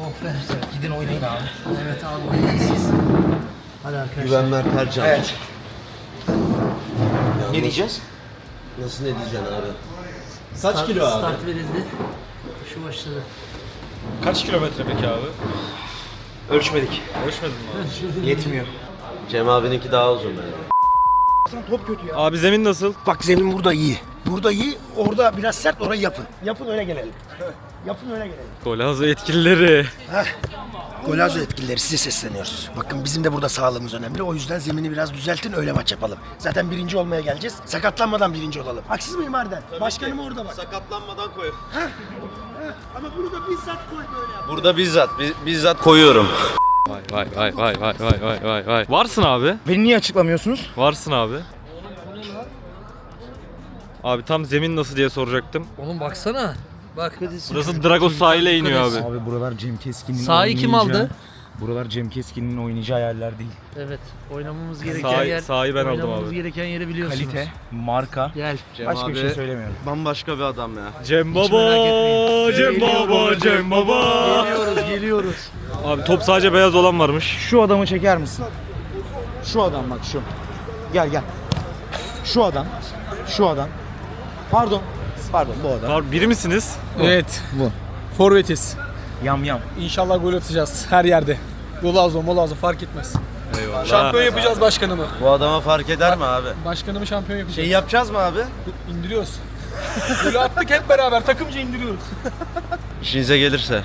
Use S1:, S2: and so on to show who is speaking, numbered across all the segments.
S1: Gidin oynayın abi. Evet abi oynayın siz. Hadi arkadaşlar.
S2: Güvenler Tercan.
S1: Evet.
S2: Yalnız,
S1: Ne diyeceğiz?
S2: Nasıl ne diyeceksin abi? Kaç kilo abi?
S1: Start verildi. Şu başladı.
S3: Kaç kilometre peki abi?
S1: Ölçmedik.
S3: Ölçmedin mi abi?
S1: Yetmiyor.
S2: Cem abininki daha uzun yani.
S1: Top kötü ya.
S3: Abi zemin nasıl?
S4: Bak zemin burada iyi. Burada iyi. Orada biraz sert, orayı yapın. Yapın öyle gelelim. Yapın öyle gelelim.
S3: Golazo yetkilileri.
S4: Golazo yetkilileri size sesleniyoruz. Bakın bizim de burada sağlığımız önemli. O yüzden zemini biraz düzeltin, öyle maç yapalım. Zaten birinci olmaya geleceğiz. Sakatlanmadan birinci olalım. Haksız mıyım Arden? Başkanım orada bak.
S2: Sakatlanmadan koy.
S4: Ama bunu da bizzat koy böyle yap.
S2: Burada bizzat koyuyorum.
S3: Vay. Varsın abi.
S4: Beni niye açıklamıyorsunuz?
S3: Varsın abi. Abi tam zemin nasıl diye soracaktım.
S1: Oğlum baksana. Bak.
S3: Burası Dragos sahile iniyor abi.
S5: Abi buralar Cem Keskin'in
S1: Sahayı kim aldı?
S5: Buralar Cem Keskin'in oynayacağı yerler değil.
S1: Evet. Oynamamız gereken yer.
S3: Sahayı ben aldım
S1: Oynamamız
S3: abi.
S1: gereken yeri biliyorsunuz.
S5: Kalite, marka.
S1: Gel.
S5: Başka bir şey söylemiyorum.
S2: Bambaşka bir adam ya.
S3: Cem
S1: merak
S3: Baba,
S1: etmeyin.
S3: Cem Baba.
S1: Geliyoruz.
S3: Abi top sadece beyaz olan varmış.
S5: Şu adamı çeker misin? Şu adam bak şu. Gel. Şu adam. Pardon bu adam.
S3: Abi biri misiniz?
S6: Evet.
S5: Bu.
S6: Forvetiz.
S5: Yam.
S6: İnşallah gol atacağız her yerde. Golazo fark etmez.
S3: Eyvallah.
S6: Şampiyon yapacağız başkanımı.
S2: Bu adama fark eder mi abi?
S6: Başkanımı şampiyon yapacağız.
S2: Şey yapacağız mı abi?
S6: İndiriyoruz. Golü attık hep beraber takımca indiriyoruz.
S2: İşinize gelirse.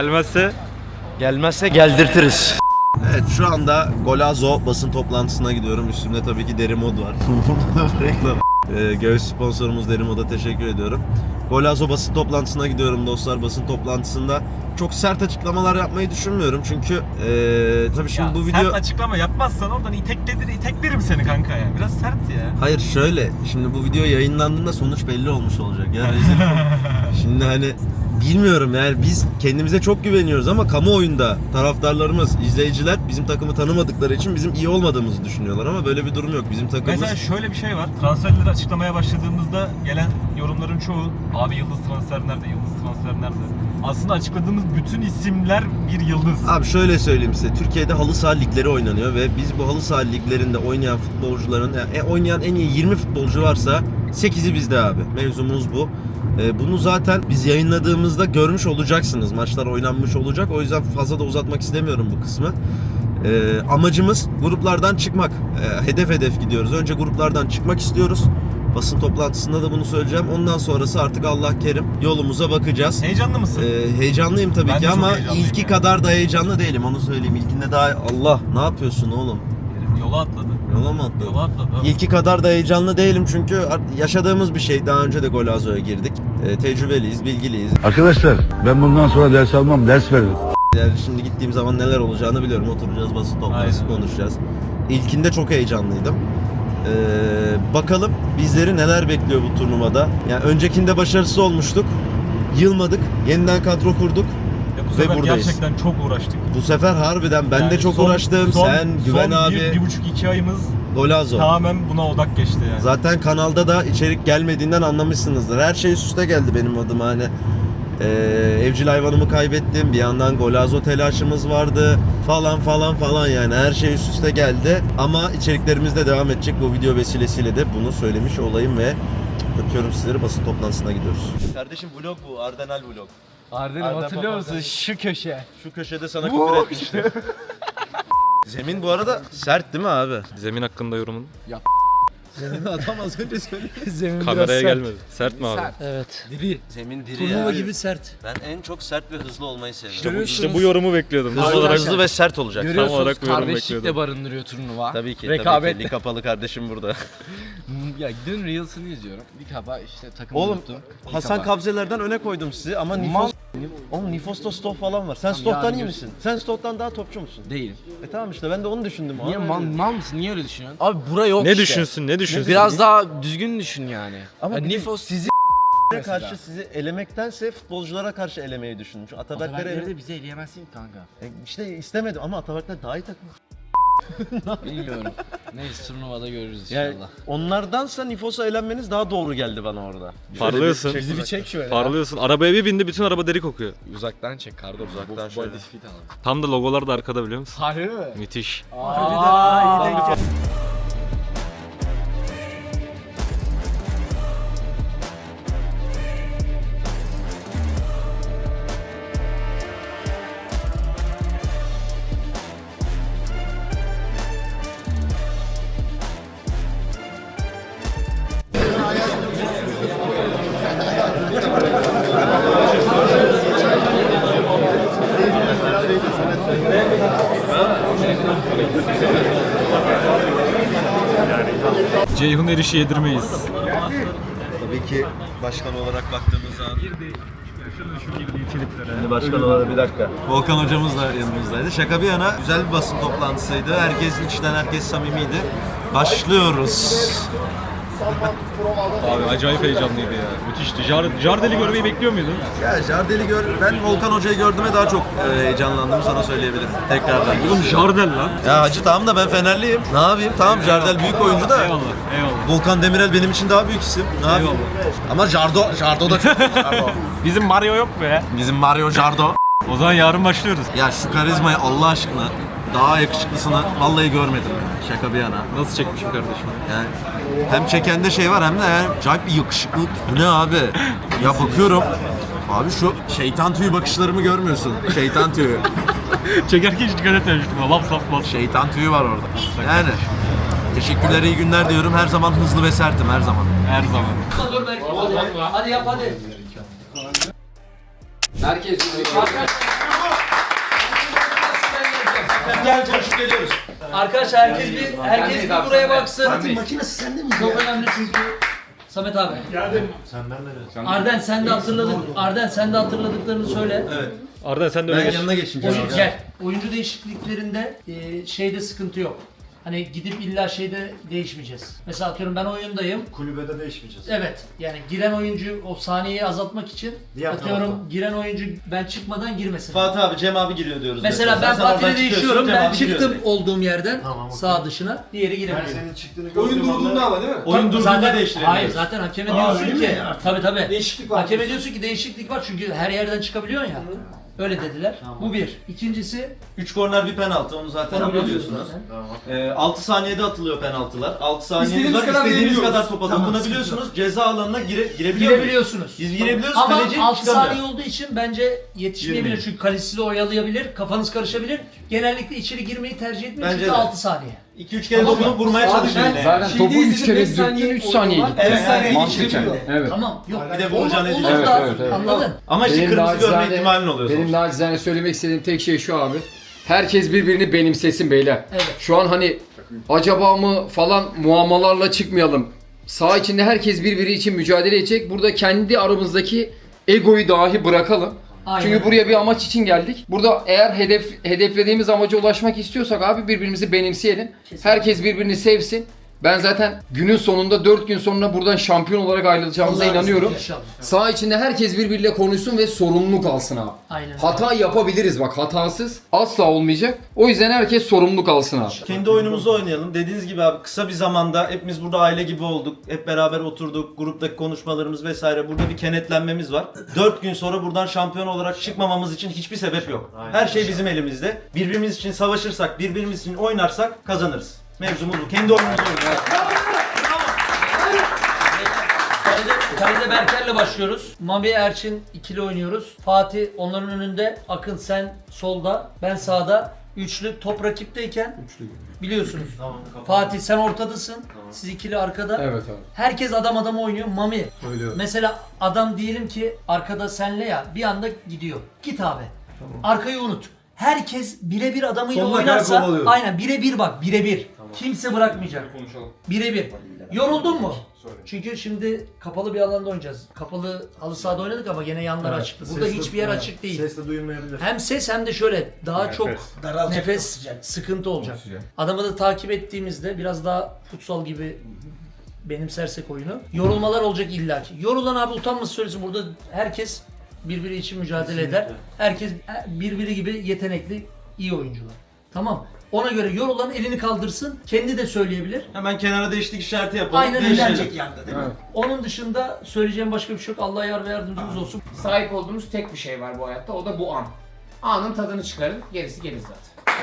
S3: Gelmezse
S2: Geldirtiriz. Evet şu anda Golazo basın toplantısına gidiyorum. Üstümde tabii ki deri mod var. Burada da reklam. Göğüs sponsorumuz Derimod'a teşekkür ediyorum. Golazo basın toplantısına gidiyorum dostlar. Basın toplantısında çok sert açıklamalar yapmayı düşünmüyorum. Çünkü tabii şimdi bu video...
S3: Sert açıklama yapmazsan oradan iteklerim seni kanka ya. Biraz sert ya.
S2: Hayır şöyle, şimdi bu video yayınlandığında sonuç belli olmuş olacak ya. Şimdi hani bilmiyorum yani biz kendimize çok güveniyoruz ama kamuoyunda taraftarlarımız, izleyiciler bizim takımı tanımadıkları için bizim iyi olmadığımızı düşünüyorlar ama böyle bir durum yok. Bizim takımımız...
S3: Mesela şöyle bir şey var. Transferleri açıklamaya başladığımızda gelen yorumların çoğu abi yıldız transfer nerede? Aslında açıkladığımız bütün isimler bir yıldız.
S2: Abi şöyle söyleyeyim size, Türkiye'de halı saha ligleri oynanıyor ve biz bu halı saha liglerinde oynayan futbolcuların, oynayan en iyi 20 futbolcu varsa 8'i bizde abi. Mevzumuz bu. Bunu zaten biz yayınladığımızda görmüş olacaksınız. Maçlar oynanmış olacak. O yüzden fazla da uzatmak istemiyorum bu kısmı. Amacımız gruplardan çıkmak. Hedef gidiyoruz. Önce gruplardan çıkmak istiyoruz. Basın toplantısında da bunu söyleyeceğim. Ondan sonrası artık Allah kerim yolumuza bakacağız.
S3: Heyecanlı mısın?
S2: Heyecanlıyım tabii
S3: Ben
S2: ki
S3: de çok
S2: ama
S3: heyecanlıyım
S2: ilki
S3: ya.
S2: kadar da heyecanlı değilim, onu söyleyeyim. İlkinde daha Allah ne yapıyorsun oğlum?
S3: Yola atladı.
S2: Yola mı atladın?
S3: Yola atladı.
S2: İlki kadar da heyecanlı değilim çünkü yaşadığımız bir şey. Daha önce de Golazo'ya girdik. Tecrübeliyiz, bilgiliyiz.
S7: Arkadaşlar ben bundan sonra ders almam, ders veririm.
S2: Yani şimdi gittiğim zaman neler olacağını biliyorum. Oturacağız, basın toplantısı
S3: Aynen.
S2: konuşacağız. İlkinde çok heyecanlıydım. Bakalım bizleri neler bekliyor bu turnuvada. Yani öncekinde başarısız olmuştuk. Yılmadık. Yeniden kadro kurduk.
S3: Ya bu
S2: Ve
S3: sefer
S2: buradayız.
S3: gerçekten çok uğraştık.
S2: Bu sefer harbiden ben de
S3: Yani
S2: çok uğraştım. Sen, Güven abi,
S3: 1,5-2 ayımız
S2: Golazo.
S3: tamamen buna odak geçti yani.
S2: Zaten kanalda da içerik gelmediğinden anlamışsınızdır. Her şey üst üste geldi benim adıma hani. Evcil hayvanımı kaybettim. Bir yandan Golazo telaşımız vardı. Falan yani. Her şey üst üste geldi. Ama içeriklerimiz de devam edecek. Bu video vesilesiyle de bunu söylemiş olayım ve öpüyorum sizleri. Basın toplantısına gidiyoruz. Kardeşim vlog bu. Ardenal vlog.
S6: Arden'im hatırlıyor musun şu köşe?
S2: Şu köşede sana küfür etmiştim. Zemin bu arada sert değil mi abi?
S3: Zemin hakkında yorumun.
S2: Adam az önce söyledi.
S6: Zemin
S3: Kameraya gelmedi. Sert mi abi?
S1: Evet.
S2: Zemin diri
S1: Turnuva
S2: ya.
S1: gibi sert.
S2: Ben en çok sert ve hızlı olmayı seviyorum.
S3: İşte bu yorumu bekliyordum.
S2: Hızlı ve sert olacak.
S3: Tam olarak bu yorumu
S8: Kardeşlik de
S3: bekliyordum.
S8: barındırıyor turnuva.
S2: Tabii ki.
S8: Rekabet.
S2: Lig kapalı kardeşim burada.
S8: Ya dün Reels'ını izliyorum. Dikaba işte takım
S2: Oğlum
S8: unuttum.
S2: Hasan Kabzeler'den öne koydum sizi ama Oğlum Nifos'ta Stoh falan var. Sen Stoh'tan iyi misin? Sen Stoh'tan daha topçu musun?
S8: Değilim.
S2: Tamam işte ben de onu düşündüm.
S8: Niye
S2: Abi.
S8: mal mısın? Niye öyle düşünüyorsun? Abi bura yok
S3: Ne
S8: işte.
S3: düşünsün? Ne düşünsün?
S8: Biraz daha düzgün düşün yani.
S2: Ama
S8: Ya
S2: bir de-
S8: Nifos sizi
S2: karşı sizi elemektense futbolculara karşı elemeyi düşündüm. Çünkü Atabekleri
S8: bizi eleyemezsin kanka.
S2: işte istemedim ama Atabekler daha iyi takım.
S8: Bilmiyorum. Neyse turnuvada görürüz
S2: Yani
S8: inşallah.
S2: onlardansa Nifos'a eğlenmeniz daha doğru geldi bana orada.
S3: Parlıyorsun.
S6: Bizi bir çek şöyle.
S3: Parlıyorsun. Arabaya bir bindi bütün araba deri kokuyor.
S8: Uzaktan çek Kardo.
S2: Uzaktan şöyle.
S8: Body fit alalım.
S3: Tam da logolar da arkada biliyor musun?
S6: Harbi mi?
S3: Müthiş.
S1: Aa, iyi denk geldi.
S3: Ceyhun Eriş'i yedirmeyiz.
S2: Tabii ki başkan olarak baktığımız zaman. Şimdi başkan olarak bir dakika. Volkan hocamız da yanımızdaydı. Şaka bir yana güzel bir basın toplantısıydı. Herkes içten, herkes samimiydi. Başlıyoruz.
S3: Abi acayip heyecanlıydı ya. Müthişti. Jardel'i görmeyi bekliyor muydun?
S2: Ya Jardel'i ben Volkan hocayı gördüğüme daha çok heyecanlandım sana söyleyebilirim. Tekrardan.
S3: Oğlum Jardel lan.
S2: Ya hacı tamam da ben Fenerliyim. Ne yapayım? Tamam Jardel büyük oyuncu da.
S3: Eyvallah. Eyvallah.
S2: Volkan Demirel benim için daha büyük isim. Ne yapayım? Ama Jardo da çok. Jardo.
S3: Bizim Mario yok be.
S2: Bizim Mario Jardo.
S3: O zaman yarın başlıyoruz.
S2: Ya şu karizmayı Allah aşkına daha yakışıklısını vallahi görmedim. Şaka bir yana.
S3: Nasıl çekmişim kardeşim?
S2: Yani hem çekende şey var hem de yani acayip bir yakışıklılık. Bu ne abi? Ya bakıyorum. Abi şu şeytan tüyü bakışlarımı görmüyorsun. Şeytan tüyü.
S3: Çekerken hiç dikkat etmemiştim. Laf saf bas.
S2: Şeytan tüyü var orada. Yani teşekkürler, iyi günler diyorum. Her zaman hızlı ve sertim her zaman.
S3: Her zaman.
S1: Dur Berk. Hadi yap hadi.
S8: Herkes
S2: Gel Coşku geliyoruz.
S1: Arkadaşlar herkes bir buraya baksın.
S4: Makinesi sende mi?
S1: Çok önemli çünkü. Samet abi. Geldim. Arden sen de hatırladıklarını söyle.
S2: Evet.
S3: Arda sen de öyle
S2: Ben
S3: geç.
S2: yanına geçeyim.
S1: Gel. Oyuncu değişikliklerinde şeyde sıkıntı yok. Hani gidip illa şeyde değişmeyeceğiz. Mesela atıyorum ben oyundayım.
S9: Kulübede değişmeyeceğiz.
S1: Evet. Yani giren oyuncu o saniyeyi azaltmak için
S9: Diğer
S1: atıyorum
S9: tarafta.
S1: giren oyuncu ben çıkmadan girmesin.
S2: Fatih abi, Cem abi giriyor diyoruz.
S1: Mesela ben
S2: Sen oradan
S1: Fatih'le
S2: çıkıyorsun,
S1: değişiyorum.
S2: Cem
S1: Ben
S2: abi giriyor
S1: çıktım
S2: diyor.
S1: olduğum yerden
S9: Tamam, okey.
S1: sağ dışına. Diğeri giremiyor.
S9: Senin çıktığını
S5: Oyun durduğunda ama değil mi?
S2: Oyun durduğunda
S1: Zaten
S2: değiştirebiliriz.
S1: hayır zaten hakeme diyorsun
S4: öyle
S1: ki
S4: mi?
S1: tabii.
S5: Değişiklik var.
S1: Hakeme diyorsun ki değişiklik var çünkü her yerden çıkabiliyorsun ya. Öyle dediler. Bu bir. İkincisi
S2: 3 korner bir penaltı, onu zaten biliyorsunuz. 6 saniyede atılıyor penaltılar. 6 saniyeniz
S5: İstediğimiz
S2: var.
S5: kadar
S2: İstediğiniz
S5: girebiliyoruz.
S2: kadar topa dokunabiliyorsunuz. Ceza alanına girebiliyor muyuz?
S1: girebiliyorsunuz.
S2: Biz girebiliyoruz,
S1: Ama
S2: kaleci
S1: 6
S2: çıkamıyor.
S1: saniye olduğu için bence yetişmeyebilir.
S2: Girmeyin.
S1: Çünkü kalesi de oyalayabilir, kafanız karışabilir. Genellikle içeri girmeyi tercih etmeyin
S2: Bence
S1: çünkü
S2: de.
S1: 6 saniye.
S2: 2-3 kere dokunup vurmaya çalışıyor yine.
S8: Zaten
S5: Şeyde
S8: topu 3
S5: izledim,
S8: kere
S5: beş
S8: dürttün
S5: saniye
S8: 3 saniye
S5: oyunu var.
S8: gitti.
S5: Evet, saniye
S8: Mantıken.
S5: geçebiliyor.
S8: Evet.
S1: Tamam. Yok.
S2: Bir de vuracaksın,
S1: Olur
S2: edeceksin.
S1: da
S8: Evet, evet.
S1: anladın.
S2: Ama işte kırmızı görme ihtimalin oluyor
S10: Benim
S2: sonuçta.
S10: nacizane söylemek istediğim tek şey şu abi. Herkes birbirini benimsesin beyler.
S1: Evet.
S10: Şu an hani acaba mı falan muammalarla çıkmayalım. Saha içinde herkes birbiri için mücadele edecek. Burada kendi aramızdaki egoyu dahi bırakalım.
S1: Aynen.
S10: Çünkü buraya bir amaç için geldik. Burada eğer hedeflediğimiz amaca ulaşmak istiyorsak abi birbirimizi benimseyelim. Herkes birbirini sevsin. Ben zaten günün sonunda 4 gün sonra buradan şampiyon olarak ayrılacağımıza inanıyorum.
S1: İnşallah.
S10: Saha içinde herkes birbiriyle konuşsun ve sorumluluk alsın abi.
S1: Aynen.
S10: Hata yapabiliriz bak, hatasız asla olmayacak. O yüzden herkes sorumluluk alsın abi.
S2: Kendi oyunumuzu oynayalım. Dediğiniz gibi abi kısa bir zamanda hepimiz burada aile gibi olduk. Hep beraber oturduk. Gruptaki konuşmalarımız vesaire. Burada bir kenetlenmemiz var. 4 gün sonra buradan şampiyon olarak çıkmamamız için hiçbir sebep yok. Her şey bizim elimizde. Birbirimiz için savaşırsak, birbirimiz için oynarsak kazanırız. Mevzumuz bu. Kendi oyunumuzu oynayalım.
S1: Kalede Berker'le başlıyoruz. Mami Erçin ikili oynuyoruz. Fatih onların önünde. Akın sen solda. Ben sağda. Üçlü top rakipteyken. Biliyorsunuz. Fatih sen ortadasın. Siz ikili arkada.
S10: Evet abi.
S1: Herkes adam oynuyor. Mami. Mesela adam diyelim ki arkada senle ya bir anda gidiyor. Git abi. Arkayı unut. Herkes birebir adamıyla
S9: Sonuna kadar
S1: oynarsa
S9: kovalıyoruz.
S1: aynen birebir bak birebir. Kimse bırakmayacak. Birebir. Yoruldun mu? Çünkü şimdi kapalı bir alanda oynayacağız. Kapalı halı sahada oynadık ama gene yanlar açıktı. Burada hiçbir yer açık değil.
S9: Ses de duyulmayabilir.
S1: Hem ses hem de şöyle daha çok
S4: Daralacak,
S1: nefes sıkıntı olacak. Adamı da takip ettiğimizde biraz daha futsal gibi benimsersek oyunu. Yorulmalar olacak illaki. Yorulan abi utanması söylesin, burada herkes birbiri için mücadele eder. Herkes birbiri gibi yetenekli, iyi oyuncular. Tamam. Ona göre yorulan elini kaldırsın. Kendi de söyleyebilir.
S2: Hemen kenara değişiklik işareti yapalım.
S1: Aynen öyle.
S4: Eğlenecek yanda değil mi?
S1: Onun dışında söyleyeceğim başka bir şey yok. Allah yar ve yardımcımız olsun.
S9: Sahip olduğumuz tek bir şey var bu hayatta. O da bu an. Anın tadını çıkarın. Gerisi gelir zaten.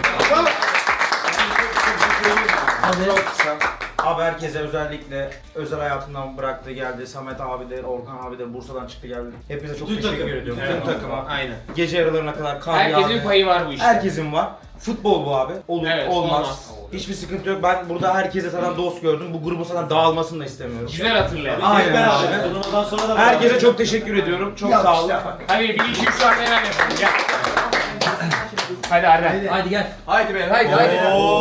S5: Abi herkese özellikle özel hayatından bıraktı geldi. Samet abi de, Orkan abi de Bursa'dan çıktı geldi. Hepinize çok teşekkür ediyorum. Tüm takıma.
S9: Aynen.
S5: Gece yarılarına kadar kar
S9: Herkesin
S5: yağdı.
S9: payı var bu işte.
S5: Herkesin var. Futbol bu abi. Olur,
S9: Evet,
S5: olmaz.
S9: olmaz.
S5: Hiçbir sıkıntı yok. Ben burada herkese zaten dost gördüm. Bu grubun zaten dağılmasını da istemiyorum.
S9: Güzel hatırlayalım.
S5: Aynen abi. Herkese çok teşekkür ediyorum. Çok sağ olun.
S9: Hadi 1, 2, 3 var neler yapalım. Gel. Hadi Arden.
S1: Haydi gel.
S10: Haydi beyler haydi haydi.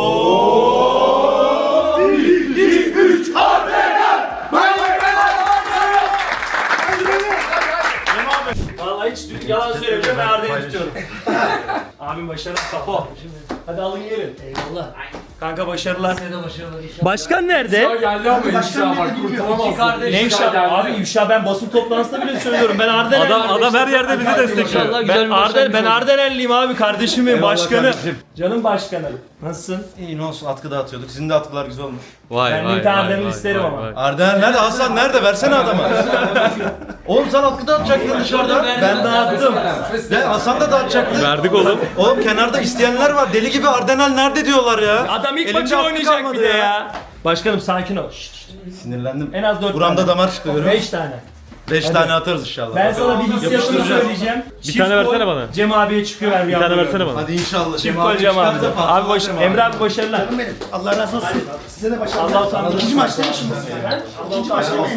S3: Vallahi hiç yalan söylemiyorum, ben Arda'yı tutuyorum. Abim başarılı, kapo. Hadi alın gelin.
S1: Eyvallah.
S3: Kanka başarılar.
S1: Size de başarılar inşallah.
S3: Başkan nerede?
S9: Geldi ama inşallah bak
S1: İki
S9: kurtulamazsın.
S1: kardeş.
S3: Ne ifşa? Abi ifşa ben basın toplantısında bile söylüyorum. Ben Adam her yerde bizi destekliyor.
S1: İnşallah güzel bir başlangıç olsun.
S3: Ardenelliyim abi, kardeşimin
S2: Eyvallah
S3: başkanı.
S2: kardeşim.
S3: Canım başkanım. Nasılsın?
S2: İyi ne olsun, atkı dağıtıyorduk. Sizin de atkılar güzel olmuş.
S3: Ben bir tane Ardenel isterim ama.
S2: Arden nerede? Hasan nerede? Versene adama. Oğlum sen atkı dağıtacaktın dışarıda.
S3: Ben dağıttım.
S2: Ne? Hasan da dağıtacaktı.
S3: Verdik oğlum.
S2: Oğlum kenarda isteyenler var. Deli gibi Ardenel nerede diyorlar ya.
S3: Adam ilk
S2: Elinde
S3: maçı
S2: atkı
S3: oynayacak
S2: kalmadı
S3: bir de ya. Başkanım sakin ol.
S2: Sinirlendim.
S3: En az 4
S2: Buramda damar çıktı görüyor
S3: 5
S2: musun?
S3: tane.
S2: 5 tane atarız inşallah.
S3: Ben sana bir hissiyatını
S2: Yapıştıracağım.
S3: söyleyeceğim. Bir tane versene bana. Cem abiye çıkıyor ver bir tane versene bana.
S2: Hadi inşallah.
S3: Çift gol Cem abi. Abi Emre abi başarılar.
S4: Canım benim. Allah razı olsun. Size de başarılar.
S3: Allah utandı.
S4: İkinci maçta mı şimdi? İkinci maçta mı?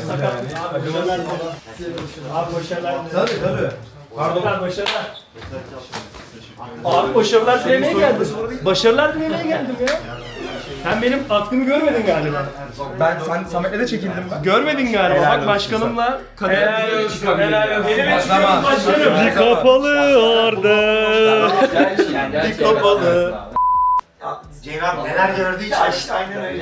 S3: Abi başarılar.
S2: Tabii.
S3: Pardon. Başarılar. Abi başarılar dilemeye geldim. Başarılar dilemeye geldim ya. Sen benim atkımı görmedin galiba.
S5: Sen Samet'le de çekildim ben.
S3: Görmedin galiba. Bak başkanımla helal olsun. Helal olsun. Benim başkanım. Bir kapalı Arda.
S10: Bir kapalı.
S4: Ceyhun abi neler gördü hiç. İşte aynen öyle.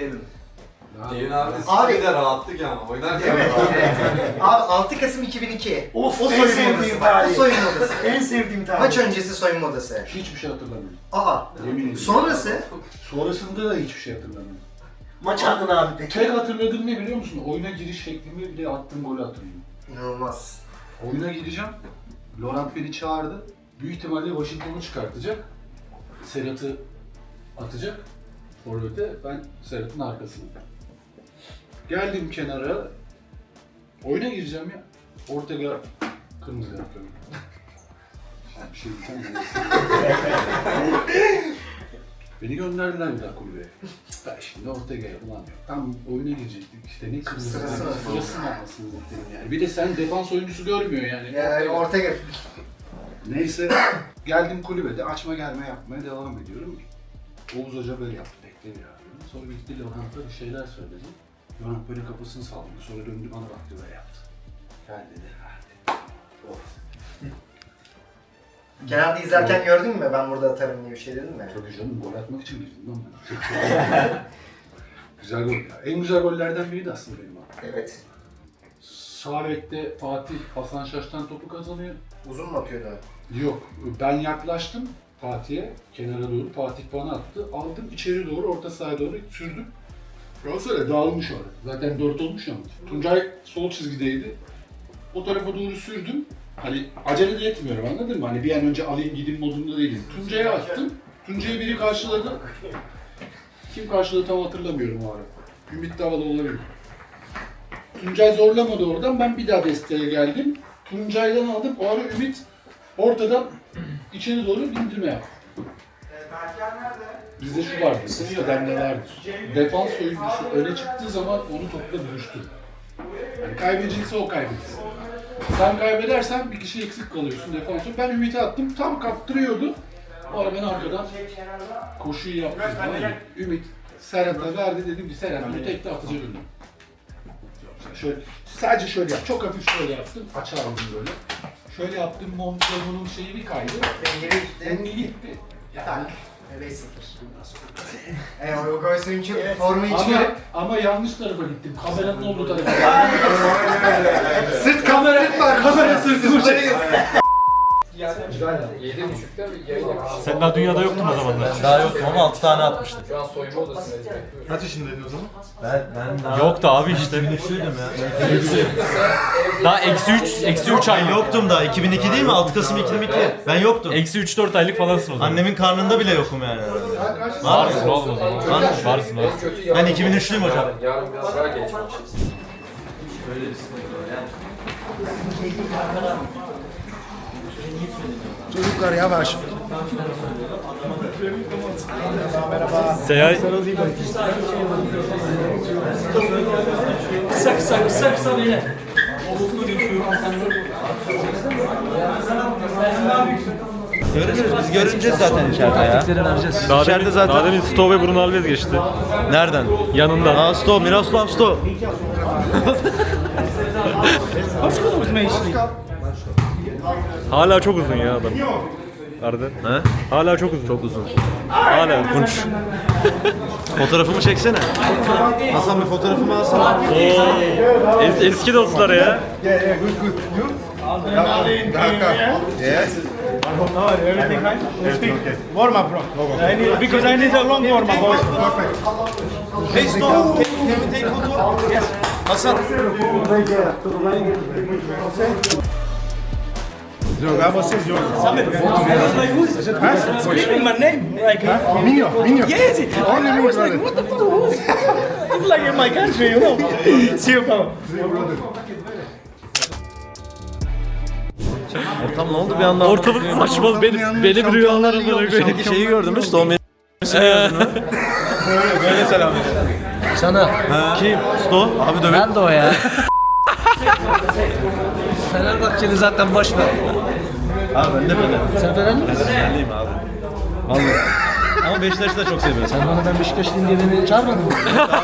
S8: Abi de rahatlık ama oynarken
S4: Evet.
S11: Abi 6 Kasım 2002.
S4: Of,
S11: o
S4: en
S11: soyunma
S4: sevdiğim
S11: odası.
S4: tarih.
S11: O soyunma odası.
S4: En sevdiğim tarih.
S11: Maç öncesi soyunma odası.
S8: hiçbir şey hatırlamıyorum.
S11: Aa.
S8: Yemin ederim.
S11: Sonrası
S8: Sonrasında da hiçbir şey hatırlamıyorum.
S4: Maç adına abi peki.
S8: Tek hatırladığım ne biliyor musun? Oyuna giriş şeklimi bir de attığım golü hatırlıyorum.
S11: inanılmaz.
S8: Oyuna gireceğim. Laurent beni çağırdı. Büyük ihtimalle Washington'u çıkartacak. Serhat'ı atacak. Forvet'e ben Serhat'ın arkasında. Geldim kenara. Oyuna gireceğim ya. Ortega kırmızı kart gördüm. Bir şey diyeceğim. Beni gönderdiler bir daha kulübeye. Ben şimdi Ortega'ya ulan yok. Tam oyuna girecektik işte ne kırmızı
S11: Sırası
S8: kart.
S11: var.
S8: Sırası mı anasını bekledim yani. Bir de sen defans oyuncusu görmüyor yani.
S11: Yani Ortega.
S8: Neyse geldim kulübede açma gelme yapmaya devam ediyorum. Oğuz Hoca böyle yaptı, bekle ya. Sonra gitti Laurent'a bir şeyler söyledi. Laurent böyle kafasını salladı. Sonra döndü bana baktı böyle yaptı. Gel dedi. Oh.
S11: Genelde izlerken gördün mü ben burada atarım diye bir şey dedim mi?
S8: Tabii canım gol atmak için girdim lan ben. Güzel gol ya. En güzel gollerden biri de aslında benim abi.
S11: Evet.
S8: Sağ bekte Fatih Hasan Şaş'tan topu kazanıyor.
S11: Uzun mu atıyordu?
S8: Yok, ben yaklaştım Fatih'e, kenara doğru. Fatih bana attı. Aldım içeri doğru, orta sahaya doğru sürdüm. Galatasaray dağılmış orada. Zaten 4 olmuş ama. Tuncay sol çizgideydi. O tarafa doğru sürdüm. Hani acele de etmiyorum, anladın mı? Hani bir an önce alayım gideyim modunda değilim. Tuncay'a attım. Tuncay'ı biri karşıladı. Kim karşıladı tam hatırlamıyorum o ara. Ümit Davala olabilir. Tuncay zorlamadı oradan. Ben bir daha desteğe geldim. Tuncay'dan aldım. O ara Ümit ortadan içeri doğru indirme yaptı. Bizde şu vardı, eskiden ne vardır. Defans oyuncusu öne çıktığı zaman onu topla buluştur. Yani kaybedecekse o kaybetsin. Sen kaybedersen bir kişi eksik kalıyorsun defansı. Ben Ümit'e attım, tam kaptırıyordu. O ara ben arkadan koşuyu yaptım. Ümit Serhat'a verdi, dedim ki Serhat bunu tekte atacak önüne. Şöyle, sadece şöyle yap, çok hafif şöyle yaptım, açar aldım böyle. Şöyle yaptım, Montgomery'nin şeyi bir kaydı.
S11: Dengeli gitti.
S8: Dengeli gitti.
S11: Tak. 5-0. O gol sevinci formu içiyor.
S8: Ama yanlış tarafa gittim, kameranın olduğu tarafa.
S11: Sırt kamera var.
S8: Kamera sırtımı çekti.
S10: 7.30'da yayın yapmıştım.
S3: Sen daha dünyada yoktun o zamanlar.
S2: Daha yoktum ama 6 tane atmıştım.
S10: Şu an soyunma odasındayız.
S8: Kaç yaşındaydın o zaman?
S2: Ben daha...
S3: Yoktu abi işte. Daha -3 aylık.
S2: Yoktum daha. 2002 değil mi? 6 Kasım 2002. Ben yoktum.
S3: -3-4 aylık falansın o zaman.
S2: Annemin karnında bile yokum yani.
S3: Varsın oğlum o zaman. Varsın oğlum.
S2: Ben 2003'lüyüm hocam.
S10: Yarın biraz daha geç başlayacağız.
S4: Çocuklar yavaş.
S3: Seyay.
S1: Kısa beyler.
S2: Göreceğiz. Biz görüneceğiz zaten içeride ya. İçeride zaten.
S3: Daha demin Sto ve Bruno Alves geçti.
S2: Nereden?
S3: Yanından.
S2: Aa Sto, Miroslav Sto.
S3: Hala çok uzun ya adam. Arda.
S2: He?
S3: Hala çok uzun.
S2: Çok uzun.
S3: Hala kunç.
S2: Fotoğrafımı çeksene. Hasan bir fotoğrafımı alsana.
S3: Eski dostlar ya.
S5: Warm up bro. Because I need a long warm up.
S2: Hey Sto, can we take photo? Yes. Hasan.
S5: Screaming my name like
S8: Minho.
S5: yes. I was like what the fuck? It's like in my country, you know. See you bro.
S2: Ortam ne oldu bir anda?
S3: Ortalık saçmalı. Benim rüyalarımda
S2: Sanki şeyi gördün mü? Sto gördün mü? Böyle selam veriyor.
S1: Sana.
S2: Kim? Sto. Abi dövün.
S1: Ben de o ya. Fenerbahçeli zaten boş ver.
S2: Abi ben de Fener.
S1: Sen Fenerli misin?
S2: Fenerliyim abi. Vallahi. Ama Beşiktaş'ı da çok seviyorum.
S1: Sen bana ben Beşiktaşlıyım diye beni çağırmadın mı?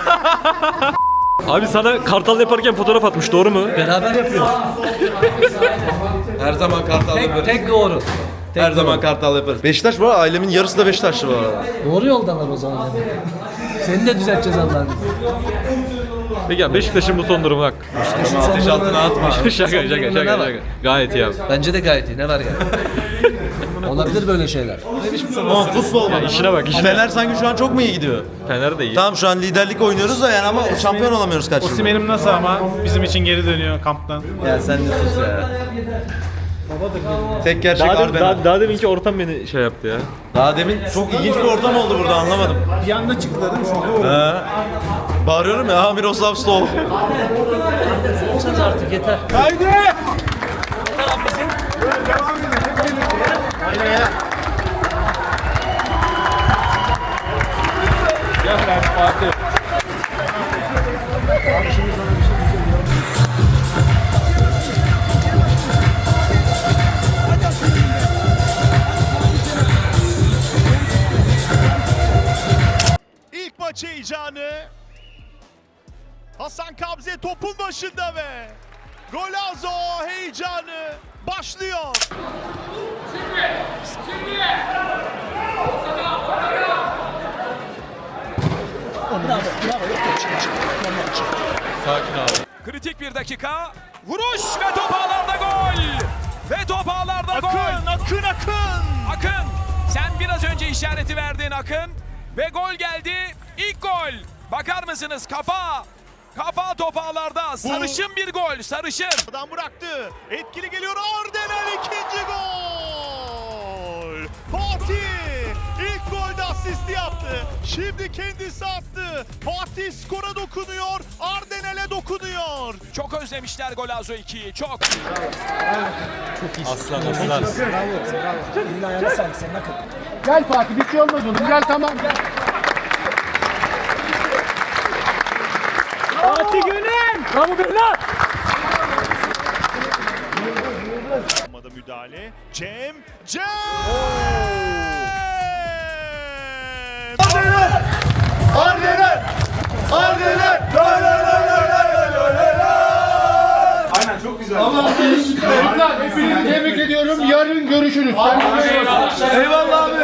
S3: Abi sana kartal yaparken fotoğraf atmış, doğru mu?
S1: Beraber yapıyoruz.
S2: Her zaman kartal yaparız.
S1: Tek doğru.
S2: Her zaman kartal yaparız. Beşiktaş bu arada, ailemin yarısı da Beşiktaşlı bu arada.
S1: Doğru yoldalar o zaman. Seni de düzelteceğiz Allah'ın.
S3: Peki ya Beşiktaş'ın bu son durumu bak.
S2: Ateş altına atma.
S3: şaka. Gayet iyi abi.
S1: Bence de gayet iyi. Ne var yani? Olabilir böyle şeyler.
S2: Ama futbol
S3: Ya işine bak, işine.
S2: Fener sanki şu an çok mu iyi gidiyor?
S3: Fener de iyi.
S2: Tamam şu an liderlik oynuyoruz da yani ama şampiyon olamıyoruz kaç yıldır.
S5: Osimhen'im nasıl ama bizim için geri dönüyor kamptan.
S2: Ya sen de sus ya. Tek gerçek Arden.
S3: Daha deminki ortam beni şey yaptı ya.
S2: Daha demin çok ilginç bir ortam oldu burada, anlamadım.
S5: Bir anda çıktı değil mi şu an?
S2: He. Bağırıyorum ya, Miroslav Sto.
S1: Olsanız artık yeter.
S5: Haydi!
S12: İlk maç heyecanı. Hasan Kabze topun başında ve Golazo heyecanı başlıyor.
S3: Sakin abi.
S12: Kritik bir dakika. Vuruş ve top ağlarda gol. Ve top ağlarda gol. Akın. Sen biraz önce işareti verdin Akın. Ve gol geldi. İlk gol. Bakar mısınız? Kafa top ağlarda. Sarışın bir gol. Sarışın. Adam bıraktı. Etkili geliyor. Ardenel ikinci gol. Fatih ilk golde asisti yaptı. Şimdi kendisi attı. Fatih skora dokunuyor. Ardenel'e dokunuyor. Çok özlemişler Golazo 2'yi. Çok.
S3: Aslan.
S8: Gel Fatih, bir şey olmaz oğlum. Gel tamam gel.
S5: Fatih Gönül! Bravo Beyler!
S12: Müdahale. Cem.
S8: Aynen çok güzel. Allah'ım hepinizi tebrik ediyorum. Yarın görüşürüz.
S2: Eyvallah abi.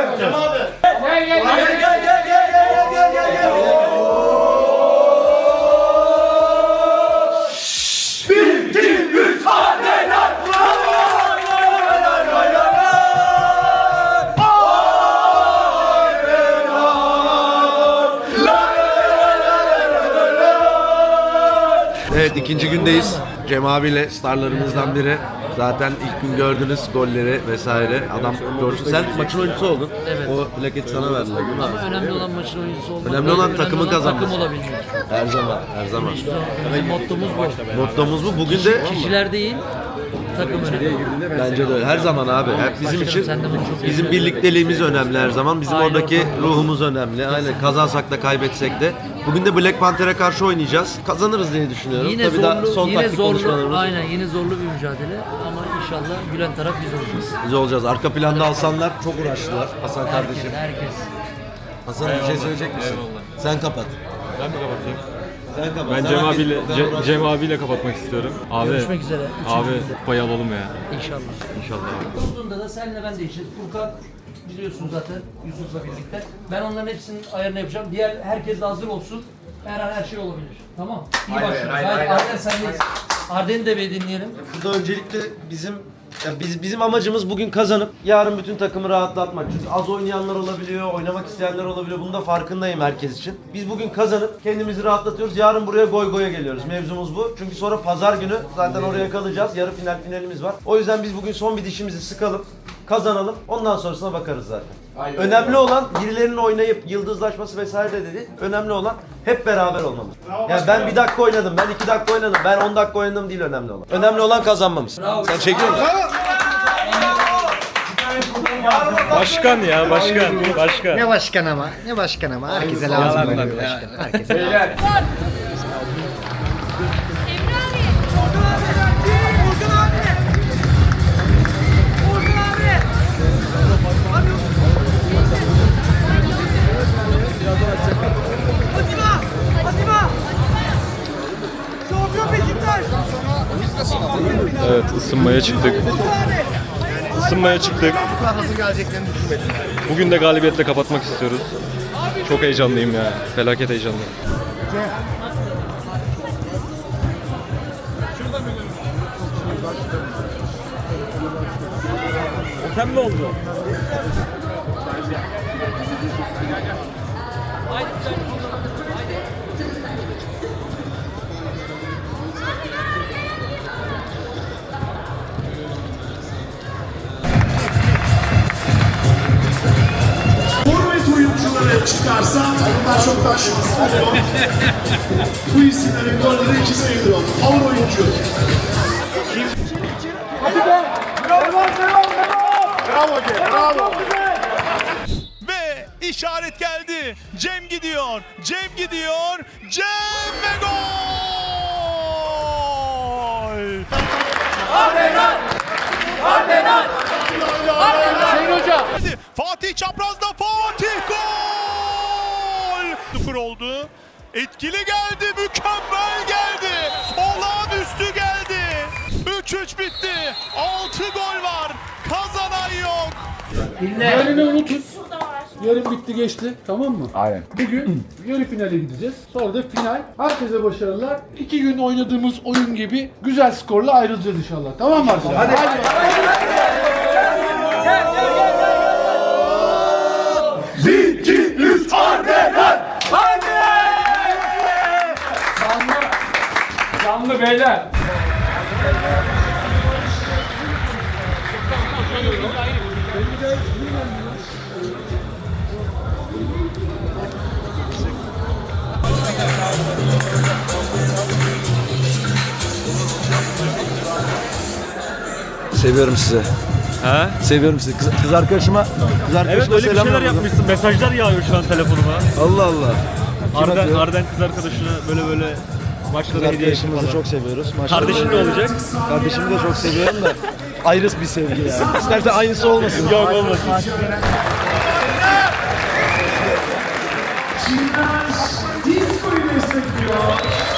S2: Evet, ikinci gündeyiz. Cem abiyle starlarımızdan biri. Zaten ilk gün gördünüz golleri vesaire. Adam görsün. Sen maçın oyuncusu oldun.
S1: Evet.
S2: O plaketi sana verdiler değil mi?
S1: Ama önemli olan maçın oyuncusu olmak.
S2: Önemli olan takımın kazanması.
S1: Takım olabilmek.
S2: Her zaman, her zaman.
S1: Bizim mottomuz bu.
S2: Mottomuz bu. Bugün de
S1: Kişiler değil, takım önemli.
S2: bence de öyle. Her zaman abi. Hep bizim için
S1: Sen de bunu çok iyi
S2: bizim birlikteliğimiz önemli her zaman. Bizim
S1: Aynen
S2: oradaki
S1: öyle.
S2: ruhumuz önemli. Aynen, kazansak da kaybetsek de. Bugün de Black Panther'e karşı oynayacağız. Kazanırız diye düşünüyorum.
S1: Yine
S2: Tabii daha
S1: zorlu,
S2: son
S1: yine
S2: taktik
S1: zorlu,
S2: konuşmalarımız.
S1: aynen yine zorlu bir mücadele ama inşallah gülen taraf biz olacağız.
S2: Biz olacağız. Arka planda Hasanlar çok uğraştılar. Hasan kardeşim.
S1: Herkes.
S2: Hasan bir şey söyleyecek misin? Sen kapat.
S3: Ben mi kapatayım?
S2: Sen kapat.
S3: Ben
S2: Sen
S3: Cem
S2: hak
S3: abiyle,
S2: ettin. Sen uğraştın.
S3: Cem abiyle kapatmak istiyorum. Abi,
S1: Görüşmek üzere.
S3: abi kupayı alalım ya.
S1: İnşallah.
S3: İnşallah.
S1: Kurduğunda da senle ben değişiriz. Furkan biliyorsun zaten Yusuf'la birlikte. Ben onların hepsinin ayarını yapacağım. Diğer herkes de hazır olsun. Her an her şey olabilir. Tamam. İyi başlıyoruz. Haydi Arden sendeyiz. Arden'i de bir dinleyelim.
S2: Burada öncelikle bizim amacımız bugün kazanıp yarın bütün takımı rahatlatmak. Çünkü az oynayanlar olabiliyor, oynamak isteyenler olabiliyor. Bunun da farkındayım herkes için. Biz bugün kazanıp kendimizi rahatlatıyoruz. Yarın buraya goy goya geliyoruz. Mevzumuz bu. Çünkü sonra pazar günü zaten oraya kalacağız. Yarı finalimiz var. O yüzden biz bugün son bir dişimizi sıkalım. Kazanalım. Ondan sonrasına bakarız zaten. Önemli olan birilerinin oynayıp yıldızlaşması vesaire de dedi. Önemli olan hep beraber olmamız. Yani ben 1 dakika oynadım, ben 2 dakika oynadım, ben 10 dakika oynadım değil önemli olan. Önemli olan kazanmamız. Sen çekiyor musun?
S3: Başkan ya, başkan.
S11: Ne başkan ama, ne başkan ama. Herkese lazım böyle bir başkan. Herkese lazım.
S3: Evet, ısınmaya çıktık.
S11: Nasıl geleceklerini düşünmedim.
S3: Bugün de galibiyetle kapatmak istiyoruz. Çok heyecanlıyım ya. Felaket heyecanlıyım. Otem ne oldu?
S13: Forvet oyuncuları çıkarsa bunlar çoktan şunu istiyor. Bu isimlerin golleri 2 sayılıyor. Power oyuncu.
S12: Ve işaret geldi. Cem gidiyor. Cem gidiyor. Cem ve gol! Hadi. Fatih çaprazda. Fatih gol! 0 oldu. Etkili geldi. Mükemmel geldi. Olağanüstü geldi. 3-3 bitti. 6 gol var. Kazanan yok.
S8: Yarını unutun. Yarın bitti geçti, tamam mı? Aynen. Bugün yarı finale gideceğiz. Sonra da final. Herkese başarılar. 2 gün oynadığımız oyun gibi güzel skorla ayrılacağız inşallah. Tamam mı arkadaşlar? Hadi.
S13: 1, 2, 3, Ardener!
S6: Canlı beyler.
S2: Seviyorum sizi.
S3: Ha?
S2: Seviyorum sizi. Kız arkadaşıma
S3: Evet, öyle bir
S2: selam
S3: şeyler
S2: yolladım.
S3: yapmışsın. Mesajlar yağıyor şu an telefonuma.
S2: Allah Allah.
S3: Arden kız arkadaşına böyle maçlara hediye ettim
S2: Arkadaşımızı
S3: falan.
S2: çok seviyoruz.
S3: Kardeşin ne olacak?
S2: Kardeşimi de çok seviyorum da ayrı bir sevgi yani. İstersen aynısı olmasın.
S3: Yok, olmasın.
S13: Disco'yu destekliyor.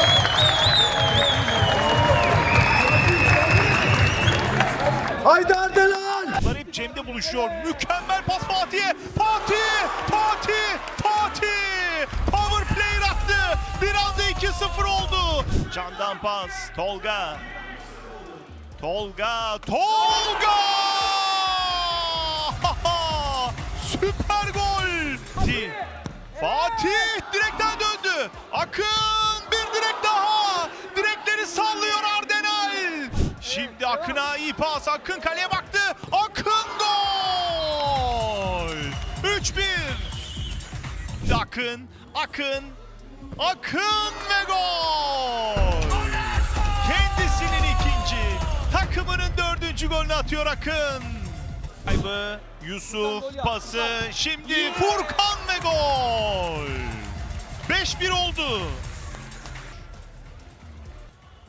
S2: Haydi Ardelan!
S12: Bunlar hep Cem'de buluşuyor. Mükemmel pas Fatih'e. Fatih! Power play attı. Bir anda 2-0 oldu. Candan pas. Tolga! Süper gol! Fatih direkten döndü. Akın bir direk daha. Direkleri Akın'a iyi pas. Akın kaleye baktı. Akın gol! 3-1. Akın ve gol! Kendisinin ikinci, takımının 4. golünü atıyor Akın. Kaybı, Yusuf pası, şimdi Furkan ve gol! 5-1 oldu.